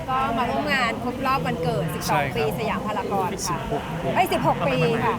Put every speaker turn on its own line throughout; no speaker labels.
ก็มาร่วมงานครบรอบวันเกิด
ใช่ครับ
12 ปีสยามพารากอนค่ะ
16
16 ปีค่ะ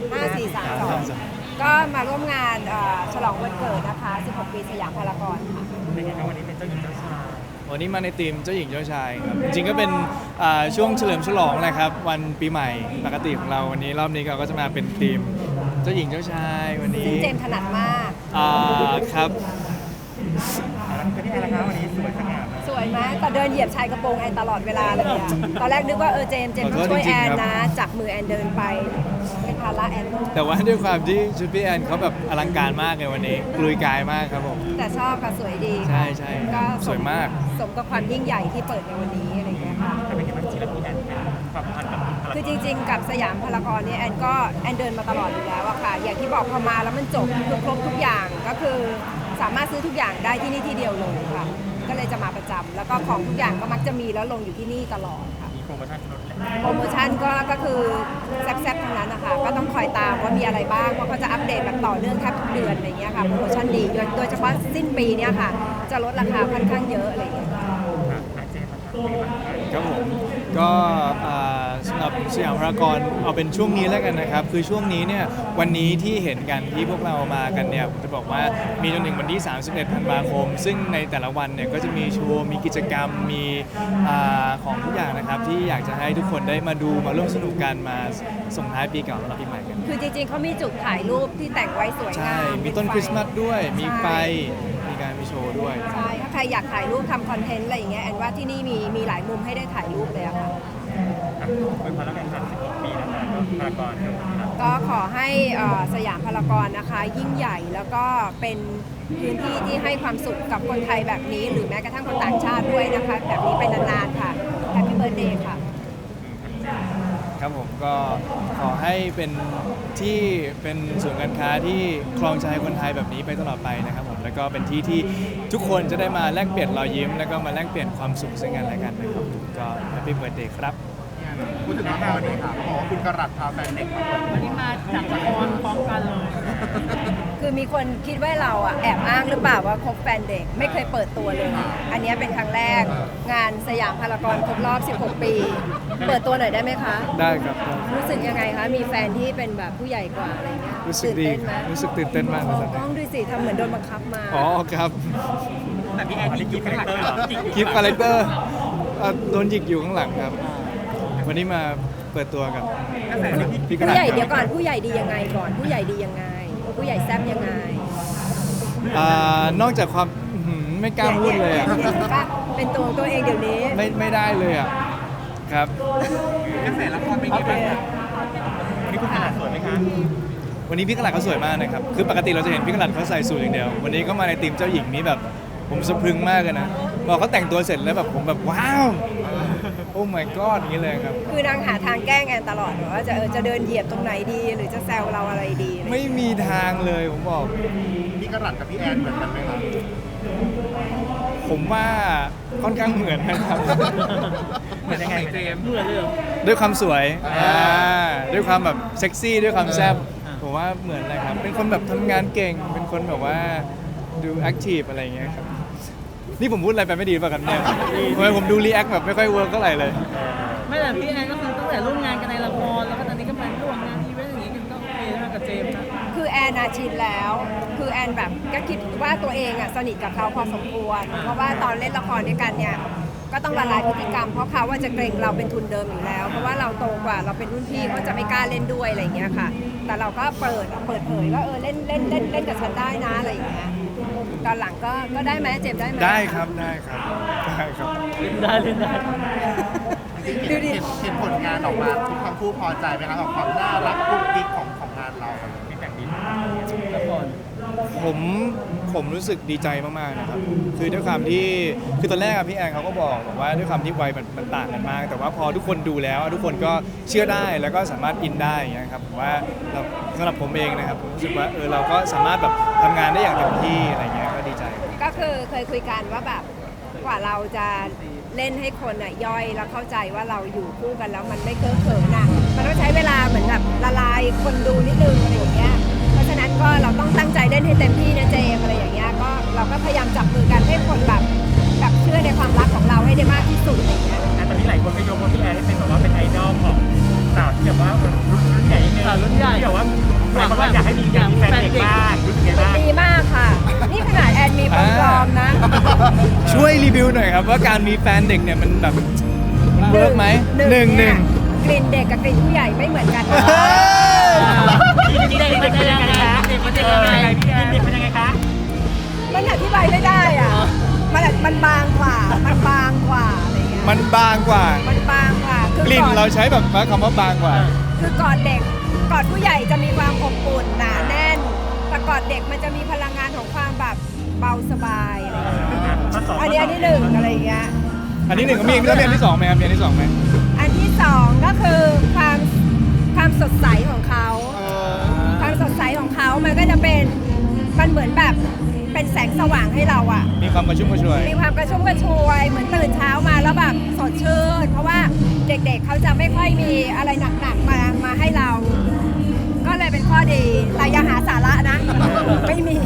5432 ก็มาร่วมงานฉลองวันเกิดนะคะ 16 ปีสยามพารากอนค่ะ
เป็นไงครับวันนี้เป็นเจ้าหญิงเจ้าชาย
วันนี้มาในทีมเจ้าหญิงเจ้าชายครับจริงๆก็เป็นช่วงเฉลิมฉลองนะครับวันปีใหม่ปกติของเราวันนี้รอบนี้เราก็จะมาเป็นทีมเจ้าหญิงเจ้าชายวันนี้
ซึ่งเจมส์ถนัดมาก
ครับ
แล้วเป็นที่อะไรครับวันนี้สวยสง่ามาก
สวยไหมแต่เดินเหยียบชายกระโปรงแอนตลอดเวลาเลยอะตอนแรกนึกว่าเจมส์ต้องช่วยแอนนะจับมือแอนเดินไปเป็นภาระแอน
แต่ว่าด้วยความที่ชุดพี่แอนเขาแบบอลังการมากเลยวันนี้กลุยกายมากครับผม
แต่ชอบค่ะสวยดี
ใช่ใช่
ก็
สวยมาก
สมกับความยิ่งใหญ่ที่เปิดในวันนี้อะไรอย่างเงี้ยค่ะ
แต่เป็นไงบ้างจริงๆแล้วพี่แอนเป็นความสัมพันธ์กับพลัง
คือจริงๆ กับสยามพารากอนเนี่ยแอนเดินมาตลอดอยู่แล้วอะค่ะ อย่างที่บอกพอมาแล้วมันจบคือครบทุกอย่างก็คือสามารถซื้อทุกอย่างได้ที่นี่ที่เดียวเลยค่ะ ก็เลยจะมาประจำแล้วก็ของทุกอย่างก็มักจะมีแล้วลงอยู่ที่นี่ตลอดค่ะ
มีโปรโมชั่นลดแหละ
โปรโมชั่นก็คือแซ่บๆทั้งนั้นนะคะก็ต้องคอยตามว่ามีอะไรบ้างเพราะเขาจะอัปเดตแบบต่อเนื่องแทบทุกเดือนอะไรเงี้ยค่ะโปรโมชั่นดีโดยเฉพาะสิ้นปีเนี่ยค่ะจะลดราคาค่อนข้างเยอะอะไรเงี้ย
เจมส์นะครับเป็นไงบ้าง
ครับผมก็สำหรับสยามพารากอนเอาเป็นช่วงนี้แล้วกันนะครับคือช่วงนี้เนี่ยวันนี้ที่เห็นกันที่พวกเรามากันเนี่ยผมจะบอกว่ามีจนถึงวันที่ 31 ธันวาคม ซึ่งในแต่ละวันเนี่ยก็จะมีโชว์มีกิจกรรมมีของทุกอย่างนะครับที่อยากจะให้ทุกคนได้มาดูมาร่วมสนุกกันมาส่งท้ายปีเก่าต้อนรับปีใหม่กัน
คือจริงๆเขามีจุดถ่ายรูปที่แต่งไว้สวย
ใช่
งาม
มีต้นคริสต์มาสด้วยมีไฟมีการมีโชว์ด้วย
ใช่ถ้าใครอยากถ่ายรูปทำคอนเทนต์อะไรอย่างเงี้ยแอนว่าที่นี่มีหลายมุมให้ได้ถ่ายรูปเลยอะค่ะ
เป็นพลังงาน16 ปีแล้วนะพารากอนครับ
ก็ขอให้สยามพารากอนนะคะยิ่งใหญ่แล้วก็เป็นพื้นที่ที่ให้ความสุขกับคนไทยแบบนี้ หรือแม้กระทั่งคนต่างชาติด้วยนะคะแบบนี้ไปนานๆค่ะแฮปปี้เบิร์ธเดย์ค่ะ
ครับผมก็ขอให้เป็นที่เป็นศูนย์การค้าที่ครองใจคนไทยแบบนี้ไปตลอดไปนะครับผมแล้วก็เป็นที่ที่ทุกคนจะได้มาแลกเปลี่ยนรอยยิ้มแล้วก็มาแลกเปลี่ยนความสุขซึ่งกันและกันนะครับผมก็แฮปปี้เบิร์ธเดย์ครับ
พูดถึงน้องแมววันนี้ค่ะขอคุณกระรัตพาแฟนเด็กมาเปิด
วันนี้มาจากละครพร้อมกันเลย
คือมีคนคิดว่าเราอ่ะแอบอ้างหรือเปล่าว่าคบแฟนเด็กไม่เคยเปิดตัวเลย อันนี้เป็นครั้งแรกงานสยามพารากอนครบรอบ 16 ปี เปิดตัวหน่อยได้ไหมคะ
ได้ครับได้
รู้สึกยังไงคะ มีแฟนที่เป็นแบบผู้ใหญ่กว่าอะไรเงี้ย
รู้สึก
ตื่น
ดี
เต้นไหม
รู้สึกตื่นเต้นมากเลยตอน
กล้
นี้
องดูสิทำเหมือนโดนบังคับมา
อ๋อครับ
แต่พี่แอนนี่กิ๊บคาแรคเตอร์เหรอ
คลิปคาแรคเตอร์โดนหยิกอยู่ข้างหลังครับ วันนี้มาเปิดตัวกับพี่กระ
ผู้
ดาษ
ใหญ่
ค
เดี๋
รั
ยวก่อนผู้ใหญ่ดียังไงก่อนผู้ใหญ่ดียังไง ผู้ใหญ่แซ่บยังไง
นอกจากความไม่กล้าพูดเลยอ่ะ
ป่ะเป็นตัวของตัวเองเดี๋ยวนี้
ไม่ได้เลยอ่ะครับ
กระแสละครเป็นไงบ้างครับวันนี้คุณขนาดสวยไหมคะ
วันนี้พี่กระดาษเขาสวยมากนะครับคือปกติเราจะเห็นพี่กระดาษเขาใส่สูทอย่างเดียว วันนี้ก็มาในทีมเจ้าหญิงนี้แบบผมสะพรึงมากเลยนะพอเขาแต่งตัวเสร็จแล้วแบบผมแบบว้าวโอ้ my god อย่างนี้เลยครับ
คือนางหาทางแกล้งแอนตลอดว่าจะเดินเหยียบตรงไหนดี หรือจะแซวเราอะไรดีอะไร
ไม่มีทางเลยผมบอก
พี่กระรัตกับพี่แอนเหมือนกันไหมครับ
ผมว่าค่อนข้างเหมือนนะครับ
เหมือนยังไงเจมส์
เหมือนเลยเหรอ
ด้วยความสวยด้วยความแบบเซ็กซี่ด้วยความแซ่บผมว่าเหมือนเลยครับ เป็นคนแบบทำงานเก่ง เป็นคนแบบว่าดูแอคทีฟอะไรอย่างเงี้ยครับ นี่ผมพูดอะไรไปไม่ดีป่ะครับเนี่ยทำไมผมดูรีแอคแบบไม่ค่อยเวิร์กเท่าไหร่เลย
ไม่แต่พี่แอนก็คือตั้งแต่ร่วมงานกันในละครแล้วก็ตอนนี้ก็มาร่วมงานอีเวนต์อย่างนี้กันก็โอเคนะกับเจมส์นะ
คือแอนชินแล้ว คือแอนแบบก็คิดว่าตัวเองอ่ะสนิทกับเขาพอสมควร เพราะว่าตอนเล่นละครด้วยกันเนี่ยก็ต้องละลายพฤติกรรมเพราะเขาว่าจะเกรงเราเป็นทุนเดิมอยู่แล้ว เพราะว่าเราโตกว่าเราเป็นรุ่นพี่เขาจะไม่กล้าเล่นด้วยอะไรอย่างเงี้ยค่ะ แต่เราก็เปิดเผยว่าเล่นกับฉันได้นะอะไรอย่างเงี้ยตอนหลังก็ได้ไหมเจมส์ได้ไหม
ได้ครับได้ครับได้ครับ
เล่นได้เล่นได้
ดูดิ
เห็นผลงานออกมาทุกทั้งคู่พอใจไหมครับกับความน่ารักกุ๊กกิ๊กของงานเรา
มีแต่งดี
ละคร
ผมรู้สึกดีใจมากๆนะครับคือด้วยความที่คือตอนแรกอะพี่แอนเขาก็บอกว่าด้วยความที่วัยมันต่างกันมาก แต่ว่าพอทุกคนดูแล้วทุกคนก็เชื่อได้แล้วก็สามารถอินได้อย่างเงี้ยครับผมว่าสำหรับผมเองนะครับผมรู้สึกว่าเราก็สามารถแบบทำงานได้อย่างเต็มที่อะไรเงี้ยก็ดีใจ
ก็คือเคยคุยกันว่าแบบกว่าเราจะเล่นให้คนอ่ะย่อยแล้วเข้าใจว่าเราอยู่คู่กันแล้วมันไม่เก้อเขินอ่ะมันต้องใช้เวลาเหมือนแบบละลายคนดูนิดนึงอะไรอย่างเงี้ยเพราะฉะนั้นก็เราต้องตั้งใจเล่นให้เต็มที่นะเจมอะไรอย่างเงี้ยก็เราก็พยายามจับมือกันให้คนแบบเชื่อในความรักของเราให้ได้มากที่สุดอะไรอย่างเงี้ย
แต่ตอนนี้หลายคน
ครับว่าการมีแฟนเด็กเนี่ยมันแบบมันเวิร์กไหมหนึ่ง
เนี่ยกลิ่นเด็กกับกลิ่นผู้ใหญ่ไม่เหมือนกันนะ
เด็กมันจะยังไงคะเด็กมันจะยังไง
เด็กเป็นยังไงคะ
มันอธิบายไม่ได้อ่ะมันบางกว่าอะไรเงี้ย
มันบางกว่า
มันบางกว่าคือก
ลิ่น
อด
เราใช้แบบคำว่าบางกว่า
คือกอดเด็กกอดผู้ใหญ่จะมีความอบอุ่นหนาแน่นแต่กอดเด็กมันจะมีพลังงานของความแบบเบาสบายอะไรเงี้ยอันนี้หนึ่งอะไรเงี้ย
อันที่หนึ่งก็มีแล้วมีอันที่สองไหมครับมีอันที่สองไหม
อันที่สองก็คือความสดใสของเขา ความสดใสของเขามันก็จะเป็นมันเหมือนแบบเป็นแสงสว่างให้เราอะ
มีความกระชุ่มกระชวย
มีความกระชุ่มกระชวยเหมือนตื่นเช้ามาแล้วแบบสดชื่น เพราะว่าเด็กๆเขาจะไม่ค่อยมีอะไรหนักๆมาให้เรา ก็เลยเป็นข้อดีแต่อย่าหาสาระนะ ไม่มี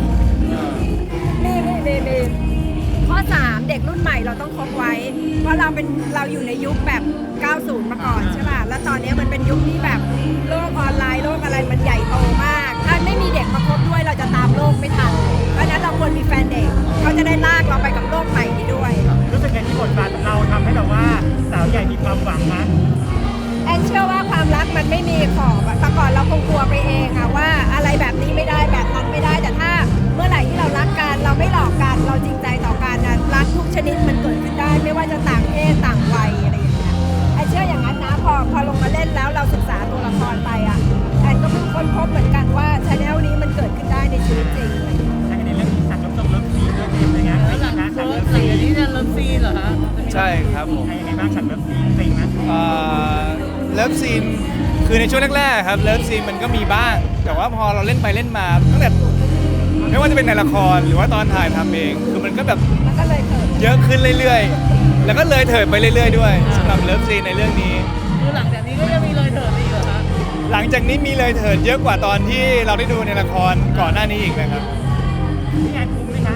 ข้อ 3 เด็กรุ่นใหม่เราต้องคบไว้ เพราะเราอยู่ในยุคแบบ 90 มาก่อนใช่ป่ะแล้วตอนนี้มันเป็นยุคที่แบบโลกออนไลน์โลกอะไรมันใหญ่โตมาก ถ้าไม่มีเด็กมาคบด้วยเราจะตามโลกไม่ทันเพราะฉะนั้นเราควรมีแฟนเด็กเขาจะได้ลากเราไปกับโลกใหม่นี้ด้วย
รู้สึกไงที่บทบาทของเราทำให้แบบว่าสาวใหญ่มีความหวังนะ
แอนเชื่อว่าความรักมันไม่มีขอบอะแต่ก่อนเราคงกลัวไปเองอะว่าอะไรแบบนี้ไม่ได้แบบนั้นไม่ได้แต่ถ้าเมื่อไหร่ที่เรารักกันเราไม่หลอกกันเราจริงใจต่อกันนะรักทุกชนิดมันเกิดขึ้นได้ ไม่ว่าจะต่างเพศต่างวัยอะไรอย่างเงี้ยแอนเชื่ออย่างนั้นนะพอลงมาเล่นแล้วเราศึกษาตัวละครไปอะแอนก็เพิ่งค้นพบเหมือนกันว่าชาแนลนี้มันเกิดขึ้นได้ในชีวิตจริงเลย
ใช่ในเรื่องที่สั่งน้ำตกเลิฟซีนด้วยเป็นยังไง
แล้วหลัง
นะ
เลิ
สั่ง
ฟ
เลิฟ
ซี
ซีน
นนี้จะเลิฟซีนเหรอคะ
ใช่ครับผม
ยังไงบ้างสั่งเลิฟซีนจริงไหม
เลิฟซีนคือในช่วงแรกๆครับเลิฟซีนมันก็มีบ้าง แต่ว่าพอเราเล่นไปเล่นมาตั้งแต่ไม่ว่าจะเป็นในละครหรือว่าตอนถ่ายทำเองคือมันก็แบบ
มันก็เลยเกิด
เยอะขึ้นเรื่อยๆ แล้วก็เลยเถิดไปเรื่อยๆด้วยสำหรับเลิฟซีนในเรื่องนี้
คือหลังจากนี้ก็จะมีเลยเถิดอีกเหรอคะ
หลังจากนี้มีเลยเถิดเยอะกว่าตอนที่เราได้ดูในละครก่อนหน้านี้อีกนะครับ
พี่แอนคุ้มไหมคะ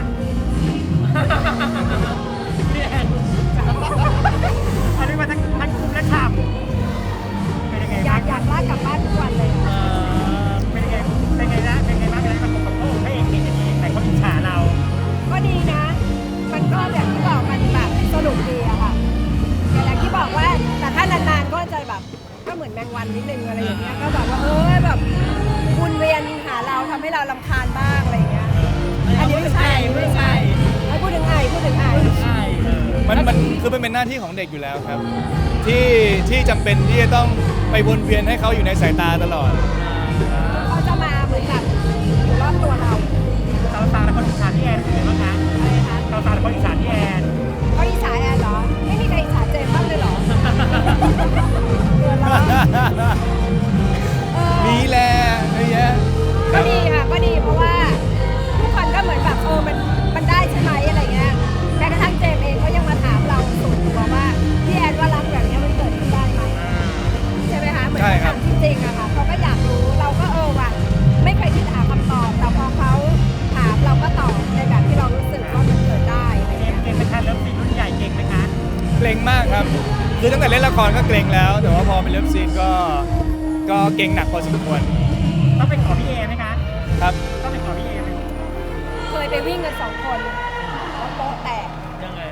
พี่แอนอันนี้มาทั้งคุ้มและฉ่ำเป็นยังไง
อยา
บ้าก ง
ลากกลับบ้านทุกวันเลยอะ
เป็นยังไงนะเป็นยังไงบ้างอะไรมาของโอ้ให้เองเก่งอย่างนี้แต่เขาอิจฉาเรา
ก็ดีนะ มันก็แบบที่บอกมันแบบสนุกดีอะค่ะอย่างที่บอกว่าแต่ถ้านานๆก็จะแบบก็เหมือนแมงวันนิดนึงอะไรอย่างเงี้ยก็แบบว่าแบบวนเวียนหาเราทำให้เรารำคาญบ้างอะไรอย่างเงี้ยอันนี้ไม่ใช่พูดถึงไอ
ใช่
มันคือมันเป็นหน้าที่ของเด็กอยู่แล้วครับ ที่จำเป็นที่จะต้องไปวนเวียนให้เขาอยู่ในสายตาตลอด
เขาจะมาเหมือนแบบอยู่รอบตัวเรา
สาวๆและคนอิจฉาพี่แอนเป็นไงบ้างคะ
อะไรคะ
สาวๆและคนอิจฉาพี่แอน
เขาอิจฉาแอนเหรอไม่มีใครอิจฉาเจมส์บ้างเลยเหรอเดือนละ
มีแหละเยอะแยะค
ก็
รับ
ดีค่ะก็ดีเพราะว่าทุกคนก็เหมือนแบบมันได้ใช่ไหมอะไรเงี้ยแม้กระทั่งเจมส์เองเขายังมาถามเราส่วนตัวว่าพี่แอนว่ารักแบบนี้มันเกิดขึ้นได้ไหมใช่ไหมคะเหมือนเขาถามจริงๆอะค่ะเขาก็อยากรู้เราก็ว่ะไม่เคยคิดหาคำตอบแต่พอเขาถามเราก็ตอบในแบบที่เรารู้สึกว่ามันเกิดได้อะไร
เก่
เงี้
ง
ย
เก่งไหมคะเลิฟซีนรุ่นใหญ่เก่งไหมคะ
เกรงมากครับ คือตั้งแต่เล่นละครก็เกรงแล้ว แต่ว่าพอเป็นเลิฟซีนก็เกรงหนักพอสมควร
ต้องไปขอพี่เอไหมคะ
ครับ
ต้องไปขอพี่เอไหม
เคยไปวิ่งกัน2 คนแล้วโป๊ะแตก
ยังไง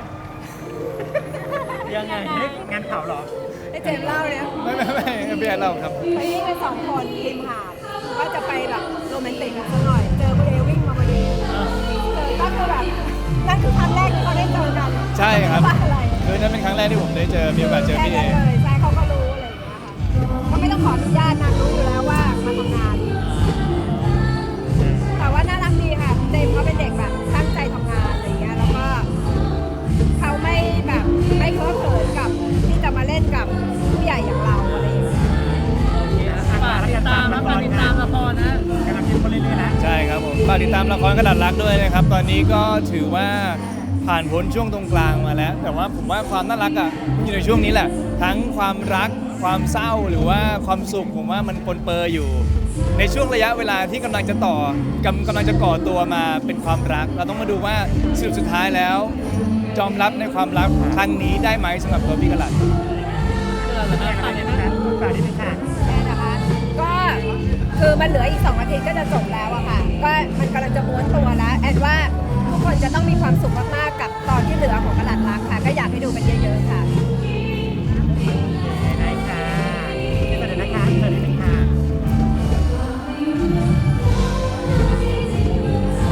ยังไง
เฮ้ยงานเผาเหรอ
ให้เจมส์เล่าเนี่ย
ไม่พี่แอนเล่าครับ
ไปวิ่งกัน2 คนริมหาดว่าจะไปแบบโรแมนติกกันสักหน่อย เจอคุณเอวิ่งมาพอดีเจอก็คือแบบนั่นคือครั้งแรกที่เขาได้เจอกัน
ใช่ครับ
ว่าอะไร
คือนั่นเป็นครั้งแรกที่ผมได้เจอมีโอกาสเจอ
แค่
พี่เอ
นั้นเลยใช่เขาก็รู้อะไรอย่างเงี้ยค่ะเขาไม่ต้องขออนุญาตนางรู้อยู่แล้วว่ามาทำงาน แต่ว่าน่ารักดีค่ะเจมส์เขาเป็นเด็กแบบตั้งใจทำงานอะไรอย่างเงี้ยแล้วก็เขาไม่แบบไม่เคอะเขินกับที่จะมาเล่นกับผู้ใหญ่อย่างเราอะไรอย่างเงี้ย
ฝากติดตามนะฝากติดตามละครนะ
กำลังเข้มข้นเรื่อยๆแล้ว
ใช่ครับผมฝากติดตามละครกระดาษรักด้วยนะครับ ตอนนี้ก็ถือว่าผ่านพ้นช่วงตรงกลางมาแล้ว แต่ว่าผมว่าความน่ารักอ่ะมันอยู่ในช่วงนี้แหละ ทั้งความรักความเศร้าหรือว่าความสุขผมว่ามันปนเปื้อนอยู่ ในช่วงระยะเวลาที่กำลังจะกำลังจะก่อตัวมาเป็นความรัก เราต้องมาดูว่าสรุปสุดท้ายแล้วยอมรับในความรักครั้งนี้ได้ไหมสำหรับตัวพี่กระลัด
ฝากนิดนึงค่ะ
แน่นะคะก็คือมันเหลืออีก2 อาทิตย์ก็จะจบแล้วอะค่ะก็มันกำลังจะม้วนตัวแล้วแอนว่าทุกคนจะต้องมีความสุขมาก